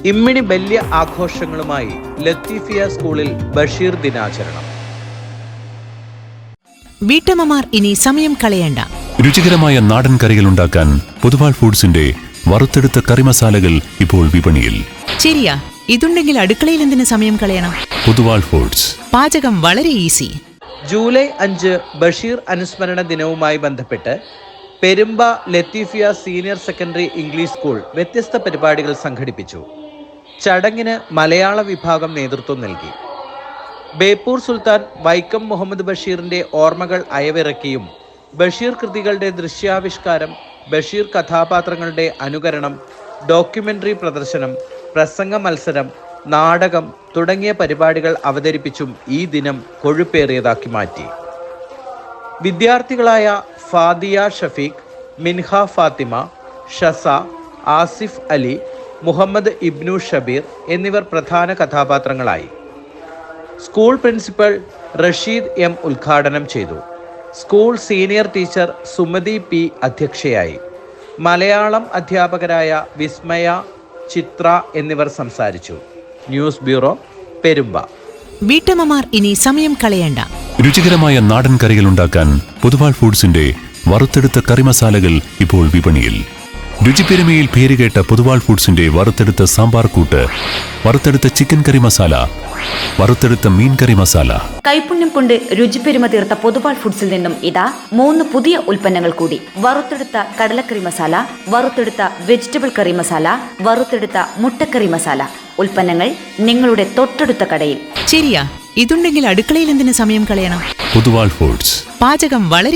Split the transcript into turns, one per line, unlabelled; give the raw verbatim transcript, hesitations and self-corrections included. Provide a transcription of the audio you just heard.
ഇമ്മിണി വലിയ ആഘോഷങ്ങളുമായി ലത്തീഫിയ സ്കൂളിൽ ബഷീർ ദിനാചരണം.
വീട്ടമ്മമാർ ഇനി സമയം കളയണ്ട.
രുചികരമായ നാടൻ കറികൾ ഉണ്ടാക്കാൻ പൊതുവാൾ ഫുഡ്സിന്റെ വറുത്തെടുത്ത കറി മസാലകൾ ഇപ്പോൾ വിപണിയിൽ.
ശരിയാ, ഇതുണ്ടെങ്കിൽ അടുക്കളയിൽ എന്തിനു സമയം കളയണം?
പൊതുവാൾ ഫുഡ്സ്.
പാചകം വളരെ ഈസി.
ജൂലൈ അഞ്ച് ബഷീർ അനുസ്മരണ ദിനവുമായി ബന്ധപ്പെട്ട് Perumba Latheefiya senior secondary English school വ്യത്യസ്ത പരിപാടികൾ സംഘടിപ്പിച്ചു. ചടങ്ങിന് മലയാള വിഭാഗം നേതൃത്വം നൽകി. ബേപ്പൂർ സുൽത്താൻ വൈക്കം മുഹമ്മദ് ബഷീറിന്റെ ഓർമ്മകൾ അയവിറക്കിയും ബഷീർ കൃതികളുടെ ദൃശ്യാവിഷ്കാരം, ബഷീർ കഥാപാത്രങ്ങളുടെ അനുകരണം, ഡോക്യുമെന്ററി പ്രദർശനം, പ്രസംഗ മത്സരം, നാടകം തുടങ്ങിയ പരിപാടികൾ അവതരിപ്പിച്ചും ഈ ദിനം കൊഴുപ്പേറിയതാക്കി മാറ്റി. വിദ്യാർത്ഥികളായ ഫാദിയ ഷഫീഖ്, മിൻഹ ഫാത്തിമ, ഷസ, ആസിഫ് അലി, മുഹമ്മദ് ഇബ്നു ഷബീർ എന്നിവർ പ്രധാന കഥാപാത്രങ്ങളായി. സ്കൂൾ പ്രിൻസിപ്പൽ റഷീദ് എം ഉദ്ഘാടനം ചെയ്തു. School senior teacher Sumathi P അധ്യക്ഷയായി. മലയാളം അധ്യാപകരായ വിസ്മയ, ചിത്ര എന്നിവർ സംസാരിച്ചു. News bureau, Perumba.
വീട്ടമ്മമാർ ഇനി സമയം കളയണ്ട.
രുചികരമായ നാടൻ കറികൾ ഉണ്ടാക്കാൻ പൊതുവാൾ ഫുഡ്സിന്റെ വറുത്തെടുത്ത കറി മസാലകൾ ഇപ്പോൾ വിപണിയിൽ. രുചിപ്പെരുമയിൽ പേരുകേട്ട പൊതുവാൾ ഫുഡ്സിന്റെ വറുത്തെടുത്ത സാമ്പാർ കൂട്ട്, വറുത്തെടുത്ത ചിക്കൻ കറി മസാല, വറുത്തെടുത്ത മീൻ കറി മസാല.
കൈപുണ്യം കൊണ്ട് രുചിപ്പെരുമ തീർത്ത പൊതുവാൾ ഫുഡ്സിൽ നിന്നും ഇതാ മൂന്ന് പുതിയ ഉൽപ്പന്നങ്ങൾ കൂടി. വറുത്തെടുത്ത കടലക്കറി മസാല, വറുത്തെടുത്ത വെജിറ്റബിൾ കറി മസാല, വറുത്തെടുത്ത മുട്ടക്കറി മസാല. ഉൽപ്പന്നങ്ങൾ നിങ്ങളുടെ തൊട്ടടുത്ത കടയിൽ.
ശരിയാ, ഇതുണ്ടെങ്കിൽ അടുക്കളയിൽ എന്തിനു സമയം കളയണം?
പൊതുവാൾ ഫുഡ്സ്.
പാചകം വളരെ